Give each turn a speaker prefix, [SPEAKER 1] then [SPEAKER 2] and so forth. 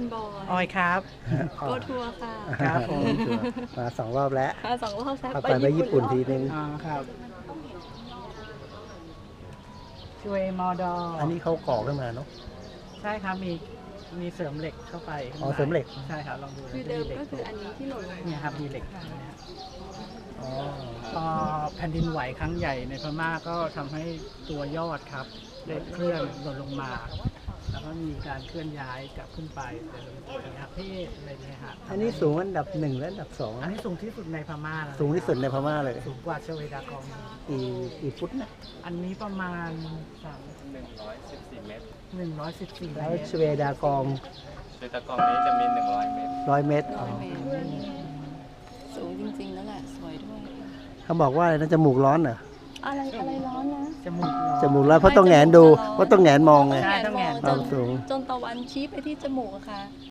[SPEAKER 1] คุณบอย
[SPEAKER 2] ออยครับ
[SPEAKER 1] โกทัวร์ค่ะ
[SPEAKER 2] ครับผม
[SPEAKER 3] มา2 รอบแล้ว
[SPEAKER 1] มา2 รอบแล้ว
[SPEAKER 3] เอาไปญี่ปุ่นทีนึง
[SPEAKER 2] อ๋อครับช่วยมอดอ
[SPEAKER 3] อันนี้เขาก่อขึ้นมาเนาะ
[SPEAKER 2] ใช่ครับมีเสริมเหล็กเข้าไปข้างใน
[SPEAKER 3] อ๋อเสริมเหล็ก
[SPEAKER 2] ใช่ครับลองดู
[SPEAKER 1] คือเดิมก็คืออันนี้ที่หล่นลง
[SPEAKER 2] เนี่ยครับมีเหล็กนะครับ
[SPEAKER 3] อ๋อ
[SPEAKER 2] พอแผ่นดินไหวครั้งใหญ่ในพม่าก็ทำให้ตัวยอดครับได้เคลื่อนหล่นลงมา แล้วก็มีการเคลื่อนย้ายกลับขึ้นไปเป็นประเทศอะไรเนี่ยครับ
[SPEAKER 3] อันนี้สูงอันดับ 1 และอันดับ
[SPEAKER 2] อันนี้สูงที่สุดในพม่าแล้ว
[SPEAKER 3] 2 สูงที่สุดในพม่าเลย
[SPEAKER 2] สูงกว่าชเวดากอง
[SPEAKER 3] กี่ฟุตนะ
[SPEAKER 2] อันนี้ประมาณ
[SPEAKER 4] 114 เมตร
[SPEAKER 2] 114
[SPEAKER 3] แล้ว
[SPEAKER 2] เมตร
[SPEAKER 3] ชเวดากอง
[SPEAKER 4] โดยตะกองนี้จะมี 100 เมตร
[SPEAKER 3] 100 เมตรอ๋อ
[SPEAKER 1] 100 เมตรสูงจริงๆนั่นแหละสวยด้วย
[SPEAKER 3] เขาบอกว่าอะไรนะจมูกร้อนเหรอ
[SPEAKER 1] อะไรร้อนนะ
[SPEAKER 2] จมูกร้อน
[SPEAKER 3] จมูกร้อนเพราะต้องแหงนดูเพราะต้องแหงนมองไง
[SPEAKER 2] ใช่ต้องแหงน
[SPEAKER 1] จ
[SPEAKER 3] ความสูง
[SPEAKER 1] จนตะวันชี้ไปที่จมูกอะค่ะ